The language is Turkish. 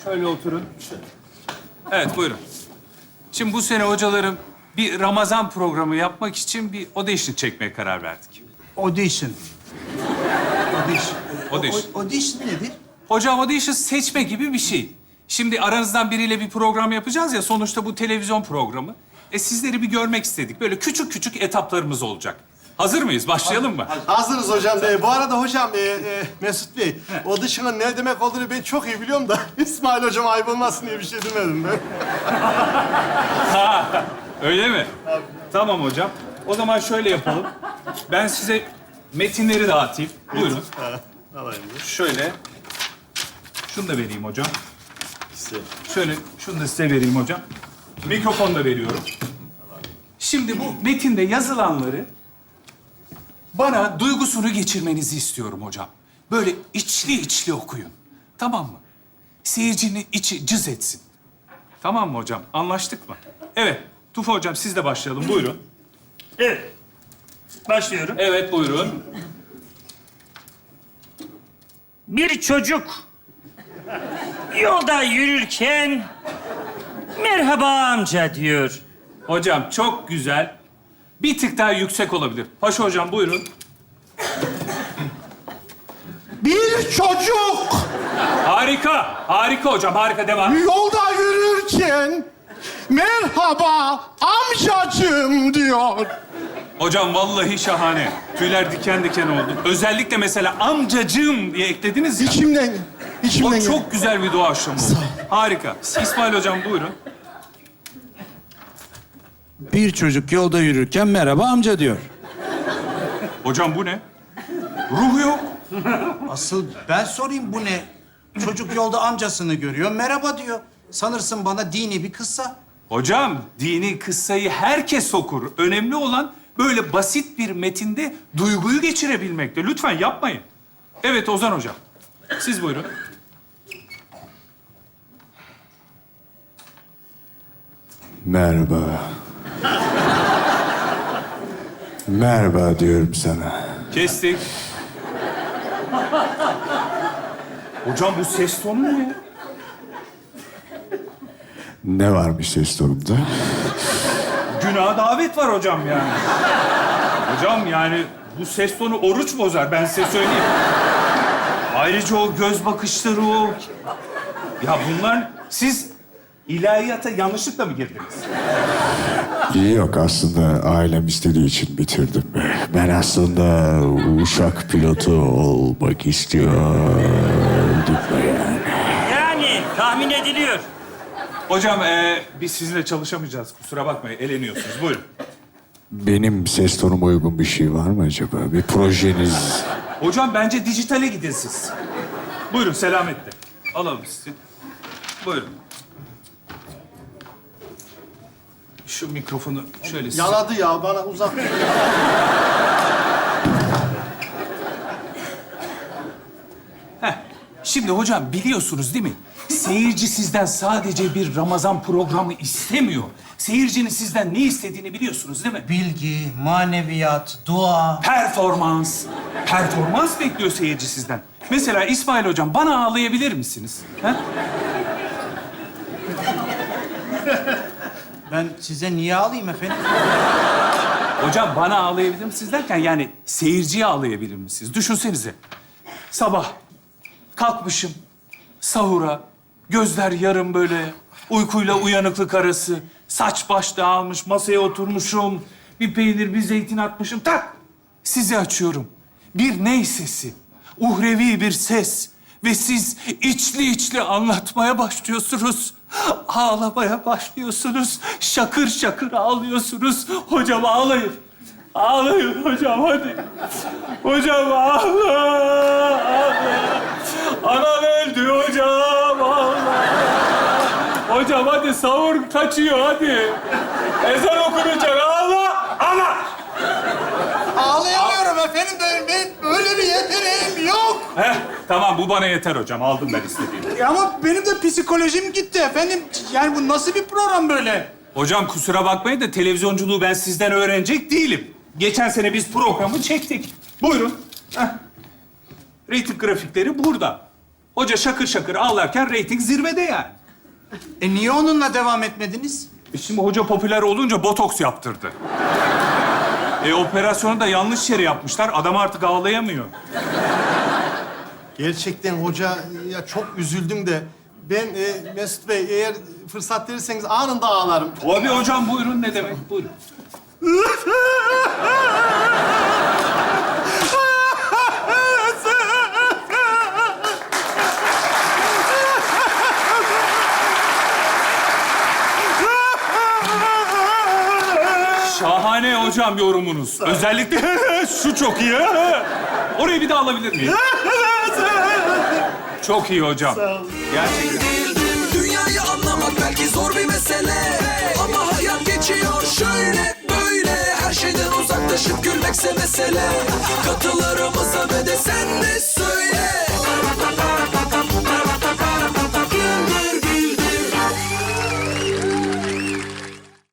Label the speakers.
Speaker 1: Şöyle oturun. Evet, buyurun. Şimdi bu sene hocalarım bir Ramazan programı yapmak için bir audition çekmeye karar verdik.
Speaker 2: Audition.
Speaker 1: Audition.
Speaker 2: Audition nedir?
Speaker 1: Hocam audition seçme gibi bir şey. Şimdi aranızdan biriyle bir program yapacağız ya, sonuçta bu televizyon programı. Sizleri bir görmek istedik. Böyle küçük küçük etaplarımız olacak. Hazır mıyız? Başlayalım mı?
Speaker 3: Hazırız hocam. Bu arada hocam, Mesut Bey, audition'ın ne demek olduğunu ben çok iyi biliyorum da İsmail hocam ayıp olmasın diye bir şey demedim ben.
Speaker 1: Öyle mi? Tamam hocam. O zaman şöyle yapalım. Ben size metinleri dağıtayım. Buyurun.
Speaker 3: Alayım.
Speaker 1: Şöyle. Şunu da vereyim hocam.
Speaker 3: Güzel.
Speaker 1: Şöyle, şunu da size vereyim hocam. Mikrofonu da veriyorum. Şimdi bu metinde yazılanları bana duygusunu geçirmenizi istiyorum hocam. Böyle içli içli okuyun. Tamam mı? Seyircinin içi cız etsin. Tamam mı hocam? Anlaştık mı? Evet. Tufa hocam siz de başlayalım. Buyurun.
Speaker 4: Evet. Başlıyorum.
Speaker 1: Evet, buyurun.
Speaker 4: Bir çocuk yolda yürürken merhaba amca diyor.
Speaker 1: Hocam çok güzel. Bir tık daha yüksek olabilir. Paşa hocam buyurun.
Speaker 3: Bir çocuk
Speaker 1: Harika. Harika hocam. Harika. Devam.
Speaker 3: yolda yürürken merhaba amcacığım diyor.
Speaker 1: Hocam vallahi şahane. Tüyler diken diken oldu. Özellikle mesela amcacığım diye eklediniz ya.
Speaker 3: İçimden
Speaker 1: O çok güzel bir doğaçlama oldu. Harika. İsmail hocam buyurun.
Speaker 2: Bir çocuk yolda yürürken merhaba amca diyor.
Speaker 1: Hocam bu ne? Ruh yok.
Speaker 2: Asıl ben sorayım bu ne? Çocuk yolda amcasını görüyor, merhaba diyor. Sanırsın bana dini bir kıssa.
Speaker 1: Hocam dini kıssayı herkes okur. Önemli olan böyle basit bir metinde duyguyu geçirebilmekte. Lütfen yapmayın. Evet Ozan hocam. Siz buyurun.
Speaker 5: Merhaba. Merhaba diyorum sana.
Speaker 1: Kestik. Hocam bu ses tonu ne ya?
Speaker 5: Ne varmış ses tonumda?
Speaker 1: Günaha davet var hocam yani. Hocam yani bu ses tonu oruç bozar, ben size söyleyeyim. Ayrıca o göz bakışları o... Ya bunlar... Siz ilahiyata yanlışlıkla mı girdiniz?
Speaker 5: Yok, aslında ailem istediği için bitirdim. Ben aslında uçak pilotu olmak istiyordum yani.
Speaker 4: Yani tahmin ediliyor.
Speaker 1: Hocam biz sizinle çalışamayacağız. Kusura bakmayın, eleniyorsunuz. Buyurun.
Speaker 5: Benim ses tonuma uygun bir şey var mı acaba? Bir projeniz...
Speaker 1: Hocam bence dijitale gidin siz. Buyurun selametle. Alalım sizi. Buyurun. Şu mikrofonu şöyle size...
Speaker 3: Yaladı ya, bana uzak.
Speaker 1: Şimdi hocam biliyorsunuz değil mi? Seyirci sizden sadece bir Ramazan programı istemiyor. Seyircinin sizden ne istediğini biliyorsunuz değil mi?
Speaker 2: Bilgi, maneviyat, dua.
Speaker 1: Performans. Performans bekliyor seyirci sizden. Mesela İsmail hocam bana ağlayabilir misiniz? Ha?
Speaker 2: Ben size niye alayım efendim?
Speaker 1: Hocam bana ağlayabilir misiniz derken yani seyirciye ağlayabilir misiniz? Düşünsenize. Sabah kalkmışım sahura, gözler yarım böyle, uykuyla uyanıklık arası, saç baş dağılmış, masaya oturmuşum, bir peynir, bir zeytin atmışım, tak! Sizi açıyorum. Bir ney sesi, uhrevi bir ses ve siz içli içli anlatmaya başlıyorsunuz. Ağlamaya başlıyorsunuz, şakır şakır ağlıyorsunuz. Hocam ağlayın. Ağlayın hocam hadi. Hocam ağla, ağla. Anam öldü hocam ağla. Hocam hadi sahur kaçıyor hadi. Ezan okunacak ağla, ağla.
Speaker 2: Ağlayamıyorum efendim. Ben öyle bir yeteneğim yok.
Speaker 1: Heh, tamam bu bana yeter hocam. Aldım ben istediğimi.
Speaker 2: Ama benim de psikolojim gitti efendim. Yani bu nasıl bir program böyle?
Speaker 1: Hocam kusura bakmayın da televizyonculuğu ben sizden öğrenecek değilim. Geçen sene biz programı çektik. Buyurun. Heh. Reyting grafikleri burada. Hoca şakır şakır ağlarken reyting zirvede yani.
Speaker 2: Niye onunla devam etmediniz?
Speaker 1: Şimdi hoca popüler olunca botoks yaptırdı. Operasyonu da yanlış yere yapmışlar. Adam artık ağlayamıyor.
Speaker 3: Gerçekten hoca ya çok üzüldüm de ben Mesut Bey eğer fırsat verirseniz anında ağlarım.
Speaker 1: Tabii hocam, buyurun, ne demek? Buyurun. Şahane hocam yorumunuz. Özellikle şu çok iyi. Orayı bir daha alabilir miyim? Çok iyi hocam. Gerçekten.
Speaker 6: Dünyayı anlamak belki zor bir mesele, ama hayat geçiyor şöyle böyle. Her şeyden uzaklaşıp gülmekse mesele. Katılarımıza ve de sen de söyle.